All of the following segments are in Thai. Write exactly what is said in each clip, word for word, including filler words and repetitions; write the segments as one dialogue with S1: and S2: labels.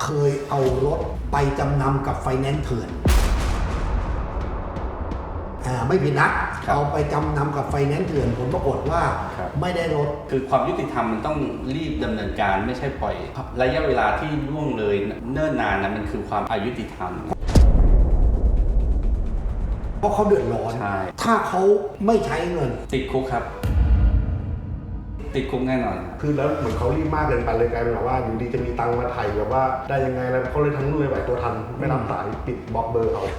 S1: ยเอารถไปจำนำกับไฟแนนซ์เถื่อนอ่าไม่ผิดนะเอาไปจำนำกับไฟแนนซ์เถื่อนผลปรากฏว่าไม่ได้รถ
S2: คือความยุติธรรมมันต้องรีบดำเนินการไม่ใช่ปล่อยระยะเวลาที่ล่วงเลยเนิ่นนานนะมันคือความอายุติธรรม
S1: เพราะเขาเดือดร้อนถ้าเขาไม่ใช้เงิน
S2: ติดคุกครับติดคุกแน่นอน
S3: คือแล้วเหมือนเขารีบมากเกินไปเลยกลายเป็นแบบว่าอยู่ดีจะมีตังค์มาไถ่แบบว่าได้ยังไงแล้วเขาเลยทั้งเลยไหวตัวทันไม่รับสายปิดบล็อกเบอร์เขา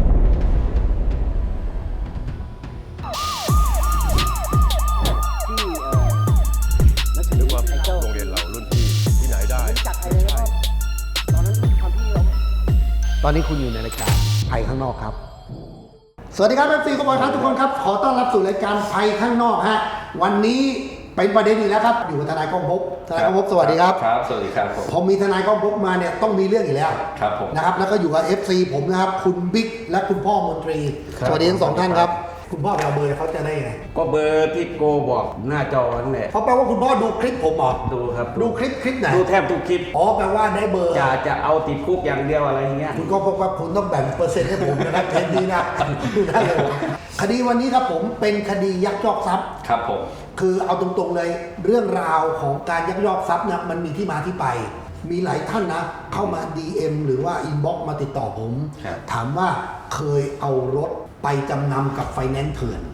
S4: นึกว่าโรงเรียนเรารุ่นพี่ที่ไหนได้จัดไทยเลยว่าตอนนั้นตอนที่เรา
S1: ตอนนี้คุณอยู่ในรายการภัยข้างนอกครับสวัสดีครับเอฟซีทุกคนครับทุกคนครับขอต้อนรับสู่รายการภัยข้างนอกฮะวันนี้เป็นประเด็นอีกแล้วครับอยู่กับทนายก้องภพทนายก้องภพสวัสดีครับ
S2: ครับสวัสดีครับผม
S1: พอมีทนายก้องภพมาเนี่ยต้องมีเรื่องอีกแล้ว
S2: ครับผม
S1: นะครับแล้วก็อยู่กับ เอฟ ซี ผมนะครับคุณบิ๊กและคุณพ่อมนตรีสวัสดีทั้งสองท่านครับคุณพ่อไปเอาเบอร์เขาจะได้ยังไง
S5: ก็เบอร์ที่โกบอกหน้าจอนั่นแหละ
S1: เขาแปลว่าคุณพ่อดูคลิปผมเหรอ
S5: ดูครับ
S1: ดูคลิปคลิปไหน
S5: ดูแทบทุกคลิป
S1: อ๋อแปลว่าได้เบอร์
S5: จะจะเอาติดคุกอย่างเดียวอะไรอย่างเงี้ย
S1: คุณก็พบว่าคุณต้องแบ่งเปอร์เซ็นต์ให้ผมนะครับเทปนี้นะดูได้เลยคดีวันนี้ครับผมเป็นคดียักยอกทรัพย์
S2: ครับผม
S1: คือเอาตรงๆเลยเรื่องราวของการยักยอกทรัพย์นะมันมีที่มาที่ไปมีหลายท่านนะเข้ามา ดี เอ็ม หรือว่าอินบ็อกซ์มาติดต่อผมถามว่าเคยเอารถไปจำนำกับไฟแนนซ์เถื่อน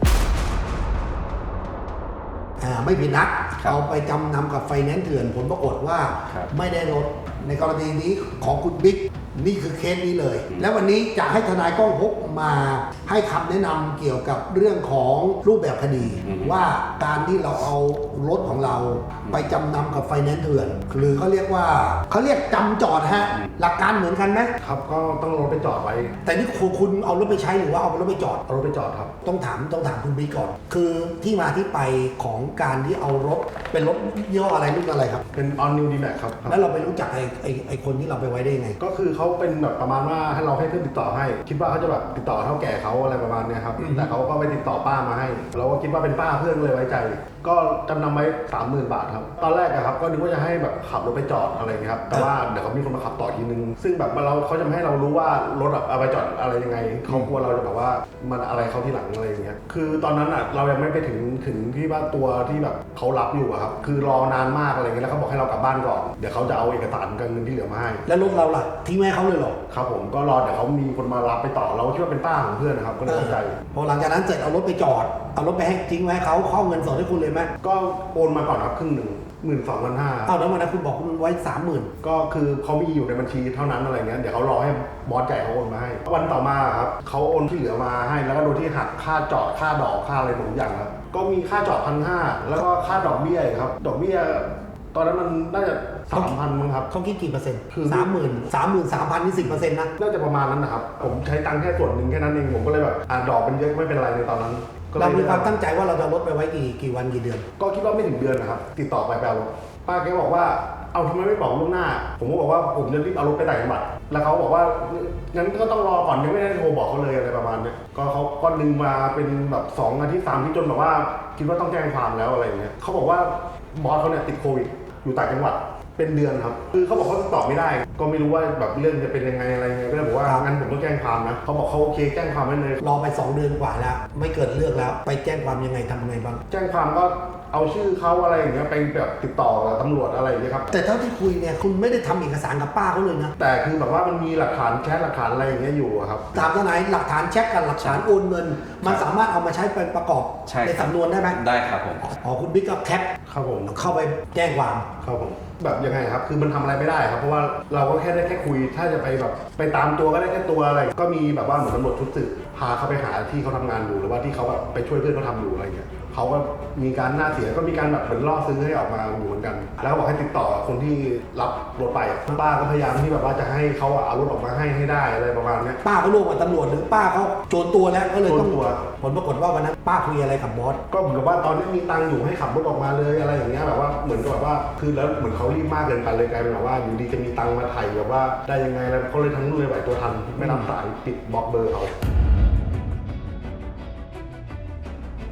S1: อ่าไม่ผิดนะเอาไปจำนำกับไฟแนนซ์เถื่อนผลปรากฏว่าไม่ได้รถในกรณีนี้ของคุณบิ๊กนี่คือเคสนี้เลยและวันนี้จะให้ทนายก้องภพมาให้คำแนะนำเกี่ยวกับเรื่องของรูปแบบคดีว่าการที่เราเอารถของเราไปจำนำกับไฟแนนซ์เถื่อนหรือเขาเรียกว่าเขาเรียกจำจอดฮะหลักการเหมือนกันไหม
S3: ครับก็ต้องรถไปจอดไว้
S1: แต่นี่คุณเอารถไปใช้หรือว่าเอารถไปจอด
S3: เอารถไปจอดครับ
S1: ต้องถามต้องถามคุณบิ๊กก่อนคือที่มาที่ไปของการที่เอารถเป็นรถยี่ห้ออะไรรุ่นอะไรครับ
S3: เป็น All New D-Max ครับ
S1: แล้วเราไปรู้จักไอ้ไอ้ไอ้คนที่เราไปไว้ได้ไง
S3: ก็คือเขาเป็นแบบประมาณว่าให้เราให้เพื่อนติดต่อให้คิดว่าเขาจะแบบติดต่อเท่าแก่เขาอะไรประมาณนี้ครับแต่เขาก็ไปติดต่อป้ามาให้เราก็คิดว่าเป็นป้าเพื่อนเลยไว้ใจก็จำนำไว้ สามหมื่น บาทครับตอนแรกอะครับก็นึกว่าจะให้แบบขับรถไปจอดอะไรเงี้ยครับแต่ว่าเดี๋ยวเขามีคนมาขับต่อทีนึงซึ่งแบบเราเขาจะไม่ให้เรารู้ว่ารถแบบเอาไปจอดอะไรยังไงเขากลัวเราจะแบบว่ามันอะไรเขาที่หลังอะไรอย่างเงี้ยคือตอนนั้นอะเรายังไม่ไปถึงถึงที่ว่าตัวที่แบบเขารับอยู่อะครับคือรอนานมากอะไรเงี้ยแล้วเขาบอกให้เรากลับบ้านก่อนเดี๋ยวเขาจะเอาเอกสารกับเงินที่เหลือมาให้
S1: แล้วรถเราล่ะทิ้งไว้เขาเลยหรอ
S3: ครับผมก็รอเดี๋ยวเขามีคนมารับไปต่อเราคิดว่าเป็นป้าของเพื่อนนะครับก็เลยเข้าใจ
S1: พอหลังจากนั้นเสร็จเอารถไปจอดเอารถไปให้ทิ้งไว้เขาเข้าเงินสดให้คุณเลยไหม
S3: ก็โอนมาก่อนครับครึ่งหนึ่งหมื่นสองพันห้า
S1: อ้าวแล้ววันนั้นคุณบอกคุณไว้สามหมื่น
S3: ก็คือเขามีอยู่ในบัญชีเท่านั้นอะไรเงี้ยเดี๋ยวเขารอให้บอสใหญ่เขาโอนมาให้วันต่อมาครับเขาโอนที่เหลือมาให้แล้วก็โดยที่หักค่าจอดค่าดอกค่าอะไรหมดอย่างครับก็มีค่าจอดพันห้าแล้วก็ค่าดอกเบี้ยครับดอกเบี้ยตอนนั้นมันน่าจะสามพันมั้งครับ
S1: เขาคิดกี่เปอร์เซ็นต์คือสามหมื่นสามหมื่นสามพันนี่สิบเปอร์เซ็นต์นะ
S3: น่าจะประมาณนั้นนะครับผมใช้ตังค์แค่ส่วนหนึ่งแค่นั้นเองผมก็เลยแบบอ่าดอกมันเยอะไม่เป็นไรในตอนนั้น
S1: เรามีความตั้งใจว่าเราจะลดไปไว้กี่กี่วันกี่เดือน
S3: ก็คิดว่าไม่ถึงเดือนนะครับติดต่อไปแปลว่าป้าแกบอกว่าเอาทำไมไม่บอกล่วงหน้าผมก็บอกว่าผมจะรีบเอารถไปต่างจังหวัดแล้วเขาบอกว่างั้นก็ต้องรอก่อนยังไม่ได้โทรบอกเขาเลยอะไรประมาณนี้ก็เขาก็ดึงมาเป็นแบบสองอาทิตย์สามอาทิตย์จนแบบว่าคิดว่าต้องแจ้งความแล้วอะไรอย่างเงี้ยเขาบอกว่าบอสเขาเนี่ยติดโควิดอยู่ต่างจังหวัดเป็นเดือนครับคือเขาบอกเขาตอบไม่ได้ก็ไม่รู้ว่าแบบเรื่องจะเป็นยังไงอะไรเงี้ยก็เลยบอกว่างั้นผมต้องแจ้งความนะเขาบอกเขาโอเคแจ้งความไว้เลย
S1: รอไปสองเดือนกว่าแล้วไม่เกิดเรื่องแล้วไปแจ้งความยังไงทำยังไงบ้าง
S3: แจ้งความก็เอาชื่อเขาอะไรอย่างเงี้ยไปแบบติดต่อกับตำรวจอะไรอย่างเงี้ยครับ
S1: แต่เท่าที่คุยเนี่ยคุณไม่ได้ทำเอกสารกับป้าเขาเลยนะ
S3: แต่คือแบบว่ามันมีหลักฐานแชทหลักฐานอะไรอย่างเงี้ยอยู่ครับ
S1: ถามทนายหลักฐานแชทกับหลักฐานโอนเงินมันสามารถเอามาใช้เป็นประกอบในสำนวนได้ไหม
S2: ได้ครับผม
S1: อ๋อคุณบิ๊กก็แคป
S3: ครับผม
S1: เข้าไปแจ้งความ
S3: ครับผมแบบยังไงครับคือมันทำอะไรไม่ได้ครับเพราะว่าเราก็แค่ได้แค่คุยถ้าจะไปแบบไปตามตัวก็ได้แค่ตัวอะไรก็มีแบบว่าเหมือนตำรวจชุดสืบพาเขาไปหาที่เขาทำงานอยู่หรือว่าที่เขาแบบไปช่วยเพื่อนเขาทำอยู่อะไรเงี้ยเขาก็มีการหน้าเสียก็มีการแบบเหมือนล่อซื้อให้ออกมาอยู่เหมือนกันแล้วบอกให้ติดต่อคนที่รับรถไปป้าก็พยายามที่แบบว่าจะให้เขาเอารถออกมาให้ให้ได้อะไรประมาณนี้
S1: ป้าเขาร่วมกับตำรวจหรือป้าเขาโจรตัวแล้วก็เลยต้องผลปรากฏว่าวันนั้นป้าคุยอะไรกับบอส
S3: ก็เหมือนกับว่าตอนนี้มีตังค์อยู่ให้ขับรถออกมาเลยอะไรอย่างเงี้ยแบบว่าเหมือนกับแบบว่าคือแล้วเหมือนเขารีบมากเกินไปเลยกลายเป็นแบบว่าอยู่ดีจะมีตังค์มาไถ่แบบว่าได้ยังไงแล้วเขาเลยทั้งเลยไหวตัวทันไม่รับสายปิดบล็อกเบอร์เขา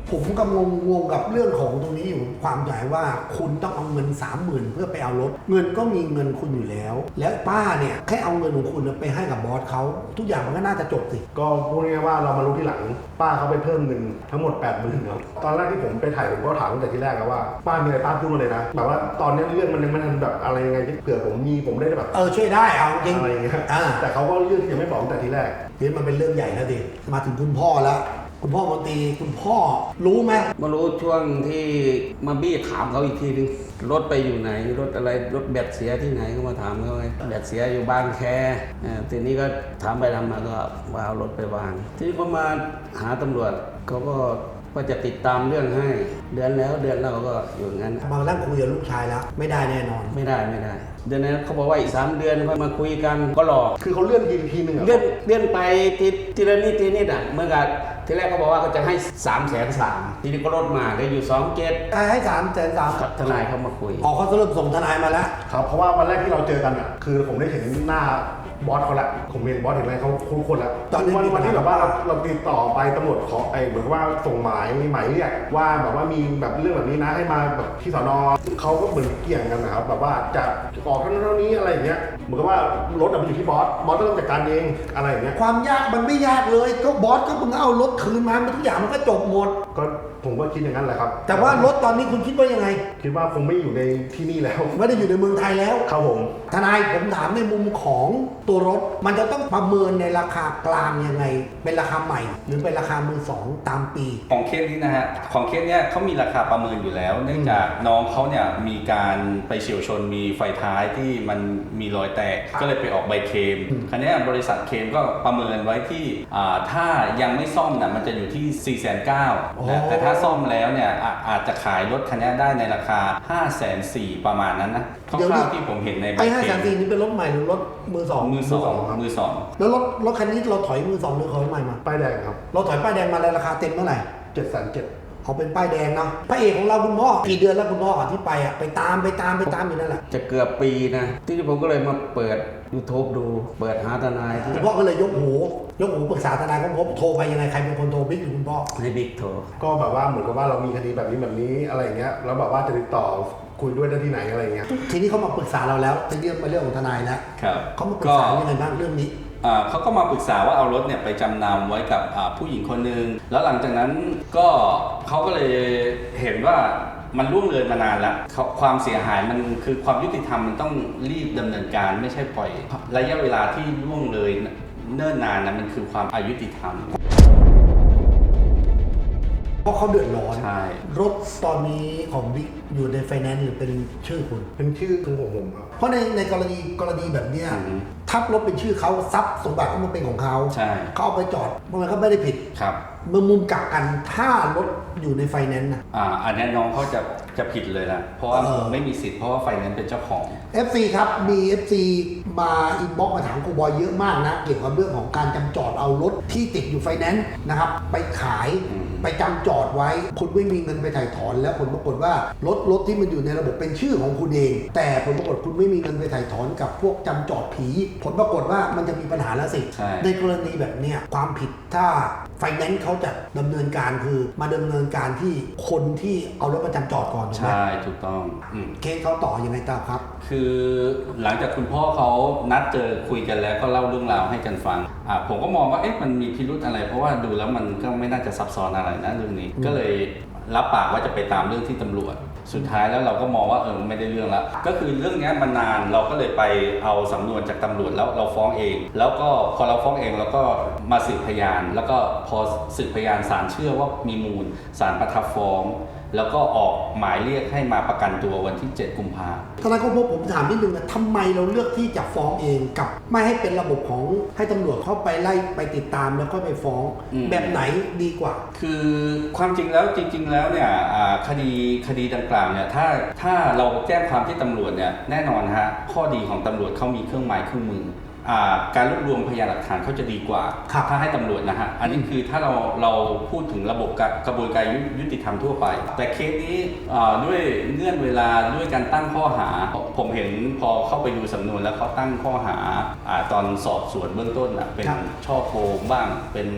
S1: ผมก็งงงงกับเรื่องของตรงนี้อยู่ความใหญ่ว่าคุณต้องเอาเงินสามหมื่นเพื่อไปเอารถเงินก็มีเงินคุณอยู่แล้ว แล้วป้าเนี่ยแค่เอาเงินของคุณไปให้กับบอสเขาทุกอย่างมันก็น่าจะจบสิ
S3: ก็พูดง่ายๆว่าเรามารู้ที่หลังป้าเขาไปเพิ่มเงินทั้งหมดแปดหมื่นครับตอนแรกที่ผมไปถ่ายผมก็ถามตั้งแต่ที่แรกแล้วว่าป้ามีอะไรป้าพูดมาเลยนะแบบว่าตอนนี้เรื่องมันยังไม่ทันแบบอะไรยังไงที่เผื่อผมมีผมได้แบบ
S1: เออช่วยได้เอาจริง
S3: อะไรอย่างเงี้ย
S1: อ่า
S3: แต่เขาก็เลือกที่จะไม่บอกตั้งแต่ทีแรก
S1: เดี๋ยวมันเป็นเรื่องใหญ่แล้วดิมาถึงคุณพ่อแล้วคุณพ่อมนตรีคุณพ่อรู้ไหม
S5: มารู้ช่วงที่มาบี้ถามเขาอีกทีนึงรถไปอยู่ไหนรถอะไรรถแบตเสียที่ไหนก็มาถามเขาไงแบตเสียอยู่บางแคอ่าทีนี้ก็ถามไปทำมาก็ว่าเอารถไปวางทีนี้ก็มาหาตำรวจเขาก็ว่าจะติดตามเรื่องให้เดือนแล้วเดือนแล้วก็อยู่งั้น
S1: บางนั่งคุยกับลูกชายแล้วไม่ได้แน่นอน
S5: ไม่ได้ไม่ได้ เดือนนั้นเขาบอกว่าอีกสามเดือนค่อยมาคุยกันก็รอ
S3: คือเขาเลื่อนทีทีหนึ่งอะ
S5: เลื่อนเลื่อนไปทีทีละนิดทีนิดอ่ะเมื่อกับทีแรกเขาบอกว่าเขาจะให้สามแสนสามทีนี้ก็ลดมาได้อยู่สองเกต
S1: ให้สามแสนสาม
S5: ทนายเขามาคุย
S1: ออกเขาสรุปส่งทนายมาแล้ว
S3: ครับเพราะว่าวันแรกที่เราเจอกันอ่ะคือผมได้เห็นหน้าบอสเขาละผมเห็นบอสเห็นอะไรเขาคุ้นคนแล้ว
S1: ตอนนี้
S3: วัน
S1: มีปั
S3: วั
S1: ญ
S3: น
S1: หา
S3: ที่แบบว่าเราเราติดต่อไปตำรวจขอไอ้เหมือนกับว่าส่งหมายมีหมายเรียกว่าแบบว่ามีแบบเรื่องแบบนี้นะให้มาแบบที่สนเขาก็เหมือนเกี่ยงกันนะครับแบบว่าจะออกเท่านั้นเท่านี้อะไรอย่างเงี้ยเหมือนกับว่ารถอะมันอยู่ที่บอสบอสก็ต้องจัดการเองอะไรอย่างเงี้ย
S1: ความยากมันไม่ยากเลยก็บอสก็มึงเอารถคืนมาทุกอย่างมันก็จบหมด
S3: ก็ผมก็คิดอย่างนั้นแหละครับ
S1: แต่ว่ารถตอนนี้คุณคิดว่ายังไง
S3: คิดว่าคงไม่อยู่ในที่นี่แล้ว
S1: ไม่ได้อยู่ในเมืองไทยแล้ว
S3: ครับผม
S1: ทนายผมถามในมุมของตัวรถ มันจะต้องประเมินในราคากลางยังไง เป็นราคาใหม่ หรือเป็นราคามือสองตามปี
S2: ของเคสนี้นะฮะของเคสเนี้ยเขามีราคาประเมินอยู่แล้ว เนื่องจากน้องเขาเนี่ยมีการไปเฉี่ยวชนมีไฟท้ายที่มันมีรอยแตกก็เลยไปออกใบเคลมคราวเนี้ยบริษัทเคลมก็ประเมินไว้ที่อ่าถ้ายังไม่ซ่อมน่ะมันจะอยู่ที่ สี่แสนเก้าหมื่น
S1: อ๋อ
S2: แต่ถ้าซ่อมแล้วเนี่ยอ่ะอาจจะขายรถคันนี้ได้ในราคา ห้าแสนสี่หมื่น ประมาณนั้นนะคร่าวๆที่ผมเห็นในใบ
S1: ไอ้
S2: เค
S1: ห้า
S2: ล
S1: แสน
S2: ม
S1: สี่นี่เป็นรถใหม่หรือรถมือสอง
S2: มือสองมือสอง
S1: แล้วรถรถคันนี้เราถอยมือสองหรือถอยใหม่มา
S3: ป้ายแดงครับ
S1: เราถอยป้ายแดงมาในราคาเต็มเท่าไหร่
S3: เจ็ดแสนเจ็ด
S1: เขาเป็นป้ายแดงเนาะพระเอกของเราคุณพ่อกี่เดือนแล้วคุณพ่อที่ไปอ่ะไปตามไปตามไปตามอยู่นั่นแหละ
S5: จะเกือบปีนะ ที่ผมก็เลยมาเปิด YouTube ดู เปิดหาทนายที่
S1: คุณพ่อก็เลยยกหูยกหูปรึกษาทนายก็พบโทรไปยังไงใครเป็นคนโทรบิ๊กหรือคุณพ่อ
S5: ให้บิ๊กโทร
S3: ก็แบบว่าเหมือนกับว่าเรามีคดีแบบนี้แบบนี้อะไรอย่างเงี้ยแล้วแบบว่าจะติดต่อคุยด้วยได้ที่ไหนอะไรอย่างเงี้ย
S1: ทีนี้เขามาปรึกษาเราแล้วเป็นเรื่องเป็นเรื่องของทนายแล้ว
S2: ครับ
S1: เขามาปรึกษายังไงบ้างเรื่องนี้
S2: อ่าเขาก็มาปรึกษาว่าเอารถเนี่ยไปจำนำไว้กับอ่าผู้หญิงคนหนึ่งแล้วหลังจากนั้นก็เขาก็เลยเห็นว่ามันล่วงเลยมานานแล้วเขาความเสียหายมันคือความยุติธรรมมันต้องรีบดำเนินการไม่ใช่ปล่อยระยะเวลาที่ล่วงเลยเนิ่นนานนะมันคือความอายุติธรรม
S1: เพราะเขาเดือดร้อน
S2: ใช่
S1: รถตอนนี้ของบิ๊กอยู่ในไฟแนนซ์หรือเป็นชื่อคุณ
S3: เป็นชื่อคือของผมครับ
S1: เพราะในในกรณีกรณีแบบเนี้ย
S2: อือฮึ
S1: ทับรถเป็นชื่อเขาทรัพย์สมบัติก็มันเป็นของเขา
S2: ใช่
S1: เขาเอาไปจอดมันก็ไม่ได้ผิด
S2: ครับ
S1: เมื่อมุมกลับกันถ้ารถอยู่ในไฟแนนซ์นะ
S2: อ่าอันนี้น้องเขาจะจะผิดเลยนะเพราะว่า
S1: เออ
S2: ไม่มีสิทธิ์เพราะว่าไฟแนนซ์เป็นเจ้าของ
S1: เอฟ ซี ครับมี เอฟ ซี มาอินบ็อกมาถามครูบอยเยอะมากนะเกี่ยวกับเรื่องของการจำจอดเอารถที่ติดอยู่ไฟแนนซ์นะครับไปขาย
S2: อืม
S1: ไปจำจอดไว้คุณไม่มีเงินไปถ่ายถอน แล้วผลปรากฏว่ารถรถที่มันอยู่ในระบบเป็นชื่อของคุณเอง แต่ผลปรากฏคุณไม่มีเงินไปถ่ายถอนกับพวกจำจอดผี ผลปรากฏว่ามันจะมีปัญหาแล้วสิ
S2: ใช่
S1: ในกรณีแบบเนี้ยความผิดถ้าไฟแนนซ์เขาจะดำเนินการคือมาดำเนินการที่คนที่เอารถประจำจอดก่อนถูกไหม
S2: ใช่ถูกต้องอืม
S1: เคสเขาต่อยังไงต่อครับ
S2: คือหลังจากคุณพ่อเขานัดเจอคุยกันแล้วก็เล่าเรื่องราวให้กันฟังอ่าผมก็มองว่าเอ๊ะมันมีพิรุธอะไร เพราะว่าดูแล้วมันก็ไม่น่าจะซับซ้อนอะไรนะเรื่องนี้ ก็เลยรับปากว่าจะไปตามเรื่องที่ตำรวจ สุดท้ายแล้วเราก็มองว่าเออไม่ได้เรื่องละก็คือเรื่องนี้มันนานเราก็เลยไปเอาสำนวนจากตำรวจแล้วเราฟ้องเอง แล้วก็พอเราฟ้องเองเราก็มาสืบพยาน แล้วก็พอสืบพยานศาลเชื่อว่ามีมูลศาลประทับฟ้อง แล้วก็ออกหมายเรียกให้มาประกันตัววันที่เจ็ดกุมภาพันธ์
S1: ทนายก็พบผมถามนิดนึงนะทำไมเราเลือกที่จะฟ้องเองกับไม่ให้เป็นระบบของให้ตำรวจเข้าไปไล่ไปติดตามแล้วก็ไปฟ้อง
S2: อืม
S1: แบบไหนดีกว่า
S2: คือความจริงแล้วจริง ๆ แล้วเนี่ยอ่าคดีคดีดังกล่าวเนี่ยถ้าถ้าเราแจ้งความที่ตำรวจเนี่ยแน่นอนฮะข้อดีของตำรวจเขามีเครื่องไม้เครื่องมืออ่าการรวบรวมพยานหลักฐานเขาจะดีกว่า
S1: ครับ
S2: ถ้าให้ตำรวจนะฮะอันนี้คือถ้าเราเราพูดถึงระบบกระบวนการยุติธรรมทั่วไป แต่เคสนี้อ่าด้วยเงื่อนเวลาด้วยการตั้งข้อหา ผมเห็นพอเข้าไปดูสำนวนแล้วเขาตั้งข้อหาอ่าตอนสอบสวนเบื้องต้นอ่ะเป็น
S1: ครับ
S2: ช่อโกงบ้างเป็น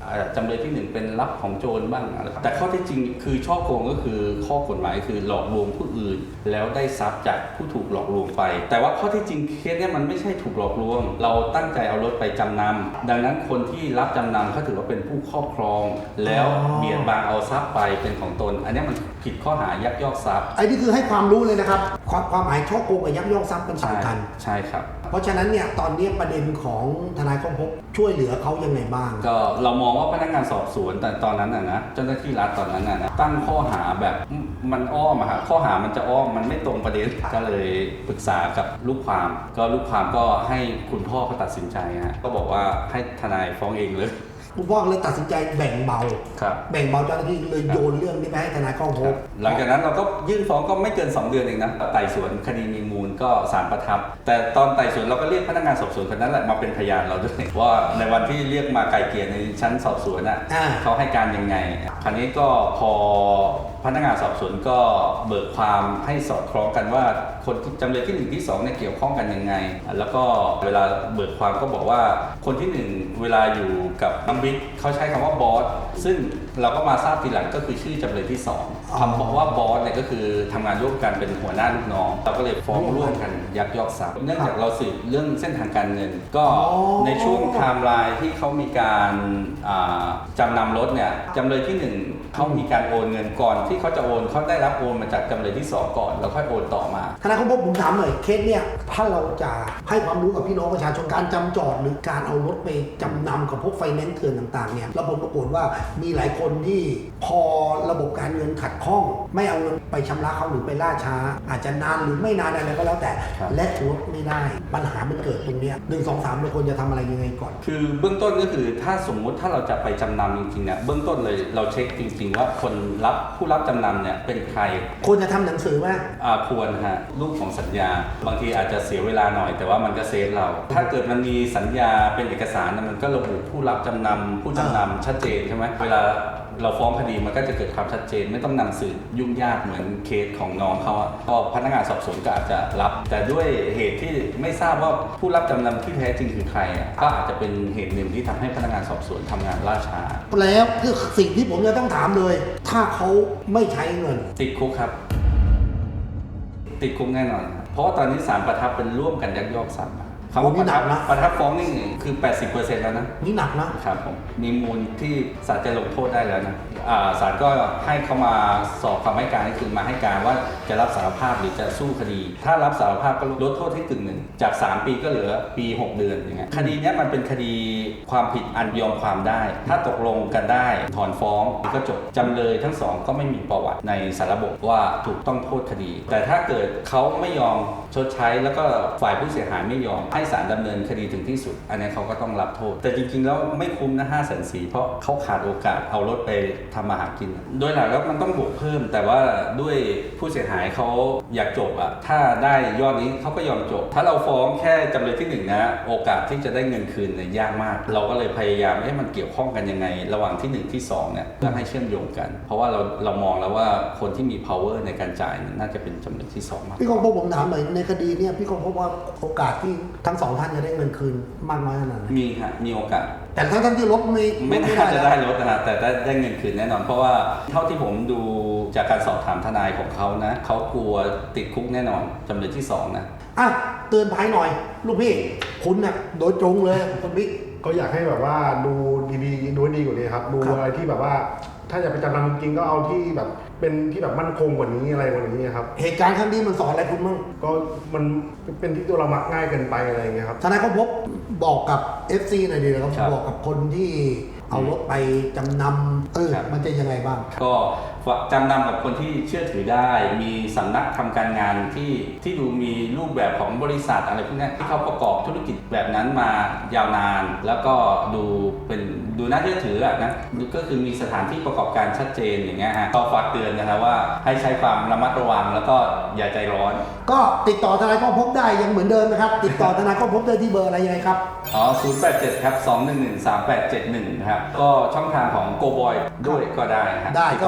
S2: อ่าจำเลยที่หนึ่งเป็นรับของโจรบ้างอะไรแต่ข้อที่จริงคือช่อโกงก็คือข้อกฎหมายคือหลอกลวงผู้อื่น แล้วได้ทรัพย์จากผู้ถูกหลอกลวงไป แต่ว่าข้อที่จริงเคสเนี้ยมันไม่ใช่ถูกหลอกลวง เราตั้งใจเอารถไปจำนำดังนั้นคนที่รับจำนำเขาถือว่าเป็นผู้ครอบครอง แล้วเบียดบังเอาทรัพย์ไปเป็นของตน อันนี้มันผิดข้อหายักยอกทรัพย์
S1: ไอ้นี่คือให้ความรู้เลยนะครับ ความความหมายช่อโกงกับยักยอกทรัพย์เป็นสำคัญ
S2: ใช่ครับ
S1: เพราะฉะนั้นเนี่ยตอนนี้ประเด็นของทนายก้องพบช่วยเหลือเขายังไงบ้าง
S2: ก็เรามองว่าพนักงานสอบสวนแต่ตอนนั้นน่ะนะเจ้าหน้าที่รัฐตอนนั้นน่ะนะตั้งข้อหาแบบมันอ้อมอะครับข้อหามันจะอ้อมมันไม่ตรงประเด็นก็เลยปรึกษากับลูกความ ก็ลูกความก็ให้คุณพ่อเขาตัดสินใจฮะก็บอกว่าให้ทนายฟ้องเองเลย
S1: คุณพ่อเลยตัดสินใจแบ่งเบา
S2: ครับ
S1: แบ่งเบาเจ้าหน้าที่เลยโยนเรื่องนี้ไปให้ทนายก้องพบ
S2: หลังจากนั้นเราก็ยื่นฟ้องก็ไม่เกิน สองเดือนเองนะไต่สวนคดีมีมูลก็ศาลประทับ แต่ตอนไต่สวนเราก็เรียกพนักงานสอบสวนคนนั้นแหละมาเป็นพยานเราด้วยว่าในวันที่เรียกมาไกลเกลี่ยในชั้นสอบสวนน่ะ
S1: อ่า
S2: เขาให้การยังไง คราวนี้ก็พอพนักงานสอบสวนก็เบิกความให้สอดคล้องกันว่าคนที่จำเลยที่หนึ่งที่สองเนี่ยเกี่ยวข้องกันยังไง แล้วก็เวลาเบิกความก็บอกว่าคนที่หนึ่งเวลาอยู่กับน้องบิ๊กเขาใช้คำว่าบอสซึ่งเราก็มาทราบทีหลังก็คือชื่อจำเลยที่สองคำบอกว่าบอสเนี่ยก็คือทำงานร่วมกันเป็นหัวหน้าลูกน้องเราก็เลยฟ้องร่วมกันยักยอกทรัพย์เนื่องจากเราสืบเรื่องเส้นทางการเงิน ก็ในช่วงไทม์ไลน์ที่เขามีการอ่าจำนำรถเนี่ยจำเลยที่หนึ่งเขามีการโอนเงินก่อนที่เขาจะโอนเขาได้รับโอนมาจากจำเลยที่สองก่อนแล้วค่อยโอนต่อมา
S1: ทนายก้องพบผมถามหน่อยเคสเนี่ยถ้าเราจะให้ความรู้กับพี่น้องประชาชนการจำจอดหรือการเอารถไปจำนำกับพวกไฟแนนซ์เถื่อนต่างๆเนี่ยเราผลปรากฏว่ามีหลายคนที่พอระบบการเงินขัดข้อง ไม่เอาเงินไปชำระเขาหรือไปล่าช้า อาจจะนานหรือไม่นานอะไรก็แล้วแต่
S2: ครับ
S1: และรถไม่ได้ปัญหามันเกิดตรงเนี้ยหนึ่งสองสามเราควรจะทำอะไรยังไงก่อน
S2: คือเบื้องต้นก็คือถ้าสมมุติถ้าเราจะไปจำนำจริงๆเนี่ยเบื้องต้นเลยเราเช็คจริง ๆ ว่าคนรับผู้รับจำนำเนี่ยเป็นใคร
S1: ควรจะทำหนังสือไหม
S2: อ่าควรฮะรูปของสัญญา บางทีอาจจะเสียเวลาหน่อย แต่ว่ามันก็เซฟเรา ถ้าเกิดมันมีสัญญาเป็นเอกสารน่ะมันก็ระบุผู้รับจำนำผู้จำนำชัดเจนใช่ไหมเวลาเราฟ้องคดีมันก็จะเกิดความชัดเจน ไม่ต้องนำสืบยุ่งยากเหมือนเคสของน้องเขาอะก็พนักงานสอบสวนก็อาจจะรับ แต่ด้วยเหตุที่ไม่ทราบว่าผู้รับจำนำที่แท้จริงคือใครอะก็อาจจะเป็นเหตุหนึ่งที่ทำให้พนักงานสอบสวนทำงานล่าช้า
S1: แล้วคือสิ่งที่ผมจะต้องถามเลย ถ้าเขาไม่ใช้เงิน
S2: ติดคุกครับ ติดคุกแน่นอน เพราะว่าตอนนี้ศาลประทับเป็นร่วมกันยักยอกทรัพย์คำว่าประทับนะประทับฟ้องนี่คือ แปดสิบเปอร์เซ็นต์ แล้วนะ
S1: นี่หนักนะ
S2: ครับผมมีมูลที่ศาลจะลงโทษได้แล้วนะอ่าศาลก็ให้เขามาสอบคำให้การก็คือมาให้การว่าจะรับสารภาพหรือจะสู้คดี ถ้ารับสารภาพก็ลดโทษให้กึ่งหนึ่งจากสามปีก็เหลือปีหกเดือนอย่างเงี้ยคดีเนี้ยมันเป็นคดีความผิดอันยอมความได้ ถ้าตกลงกันได้ถอนฟ้องก็จบจำเลยทั้งสองก็ไม่มีประวัติในสารระบบว่าถูกต้องโทษคดี แต่ถ้าเกิดเขาไม่ยอมชดใช้แล้วก็ฝ่ายผู้เสียหายไม่ยอมให้ศาลดำเนินคดีถึงที่สุด อันนี้เขาก็ต้องรับโทษ แต่จริงๆแล้วไม่คุ้มนะห้าแสนสี่เพราะเขาขาดโอกาสเอารถไปทำมาหากิน โดยหลักแล้วมันต้องบวกเพิ่ม แต่ว่าด้วยผู้เสียหายเขาอยากจบอะถ้าได้ยอดนี้เขาก็ยอมจบ ถ้าเราฟ้องแค่จำเลยที่หนึ่งนะโอกาสที่จะได้เงินคืนเนี่ยยากมาก เราก็เลยพยายามให้มันเกี่ยวข้องกันยังไง ระหว่างที่หนึ่งที่สองเนี่ยเพื่อให้เชื่อมโยงกัน เพราะว่าเราเรามองแล้วว่าคนที่มี power ในการจ่ายเนี่ยน่าจะเป็นจำเลยที่สองมาก
S1: พี่กองพบผมถามหน่อยในคดีเนี่ยพี่กองพบว่าโอกาสที่ทั้งสองท่านจะได้เงินคืนมากน้อยขนาดไหน
S2: มีฮะมีโอกาส
S1: แต่ทั้งทั้งที่รถไม่
S2: ไม่น่าจะได้รถนะฮะแต่ได้ได้เงินคืนแน่นอน เพราะว่าเท่าที่ผมดูจากการสอบถามทนายของเขานะเขากลัวติดคุกแน่นอนจำเลยที่สองนะ
S1: อ่ะเตือนภัยหน่อย ลูกพี่คุณน่ะโดยตรงเลยคุณบิ๊ก
S3: ก็อยากให้แบบว่าดูดีๆดูให้ดีกว่านี้ครับดู
S1: ครับ
S3: อะไรที่แบบว่า ถ้าจะไปจำนำจริงๆก็เอาที่แบบเป็นที่แบบมั่นคงกว่านี้อะไรกว่านี้ครับ
S1: เหตุการณ์ครั้งนี้มันสอนอะไรคุณบ้าง
S3: ก็มันเป็นที่ตัวเรามักง่ายเกินไปอะไรอย่างเงี้ยครับ
S1: ทนายก็พบบอกกับ เอฟ ซี หน่อยดีนะครับ
S2: ครับ
S1: บอกกับคนที่เอารถไปจำนำเออ
S2: ครับ
S1: มันจะยังไงบ้าง
S2: ก็จำนำกับคนที่เชื่อถือได้ มีสำนักทำการงานที่ที่ดูมีรูปแบบของบริษัทอะไรพวกนี้ที่เขาประกอบธุรกิจแบบนั้นมายาวนาน แล้วก็ดูเป็นดูน่าเชื่อถืออะนะก็คือมีสถานที่ประกอบการชัดเจนอย่างเงี้ยฮะก็ฝากเตือนนะครับว่าให้ใช้ความระมัดระวังแล้วก็อย่าใจร้อน
S1: ก็ติดต่อทนายก็พบได้ยังเหมือนเดิมนะครับ ติดต่อทนายก็พบได้ที่เบอร์อะไรยังไงครับ
S2: อ๋อ ศูนย์ แปด เจ็ด ครับ สอง หนึ่ง หนึ่ง สาม แปด เจ็ด หนึ่ง ครับ ก็ช่องทางของ Go Boy ด้วยก็ได้ครับ
S1: ได้ก็
S2: ติต่อผ่าน Go Boy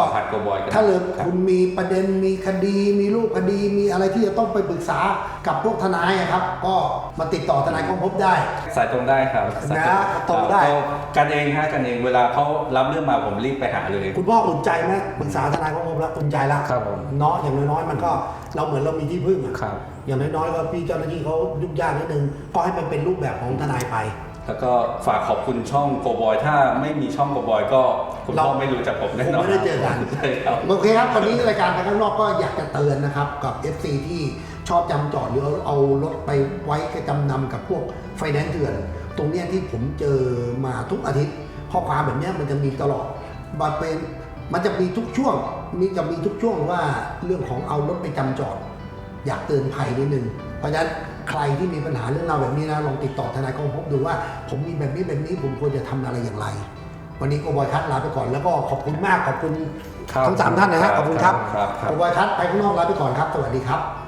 S2: บอยก็ได้
S1: ถ้าเลย
S2: รับ
S1: คุณมีประเด็นมีคดีมีรูปคดีมีอะไรที่จะต้องไปปรึกษากับพวกทนายอะครับ ก็มาติดต่อทนายกองภพได้
S2: สายตรงได้ครับสาย
S1: นะตรงได้
S2: ก็กันเองฮะกันเองเวลาเขารับเรื่องมาผมรีบไปหาเลย
S1: คุณพ่ออุ่นใจไหมปรึกษาทนายกองภพแล้วอุ่นใจแล้ว
S5: ครับผม
S1: เนาะอย่างน้อยๆมันก็เราเหมือนเรามีที่พึ่งอะ
S5: ครับ
S1: อย่างน้อยๆก็พี่เจ้าหน้าที่เขายุ่งยากนิดนึงก็ให้มันเป็นรูปแบบของทนายไป
S2: แล้วก็ฝากขอบคุณช่องโกบอยถ้าไม่มีช่องโกบอยก็คุณพ่อ
S1: เรา
S2: ไม่รู้จักผมแน่
S1: คง
S2: นอน
S1: ไม่ได้เจอกัน
S2: ใช่ครับ
S1: โอเคครับวันนี้รายการไปข้างนอกก็อยากจะเตือนนะครับกับ เอฟ ซี ที่ชอบจำจอดหรือเอาเอารถไปไว้จำนำกับพวกไฟแนนซ์เถื่อน ตรงเนี้ยที่ผมเจอมาทุกอาทิตย์ข้อความแบบเนี้ยมันจะมีตลอดมันเป็นมันจะมีทุกช่วงมีจะมีทุกช่วงว่าเรื่องของเอารถไปจำจอด อยากเตือนภัยนิดนึงเพราะฉะนั้นใครที่มีปัญหาเรื่องราวแบบนี้นะลองติดต่อทนายกองภพดูว่า ผมมีแบบนี้แบบนี้ผมควรจะทำอะไรอย่างไร วันนี้โกบอยคัทลาไปก่อนแล้วก็ขอบคุณมากขอบคุณ
S5: ครับ
S1: ทั้งสามท่านนะฮะขอบคุณครับ
S2: ครับครับ
S1: โกบอยคัทไปข้างนอกลาไปก่อนครับสวัสดีครับ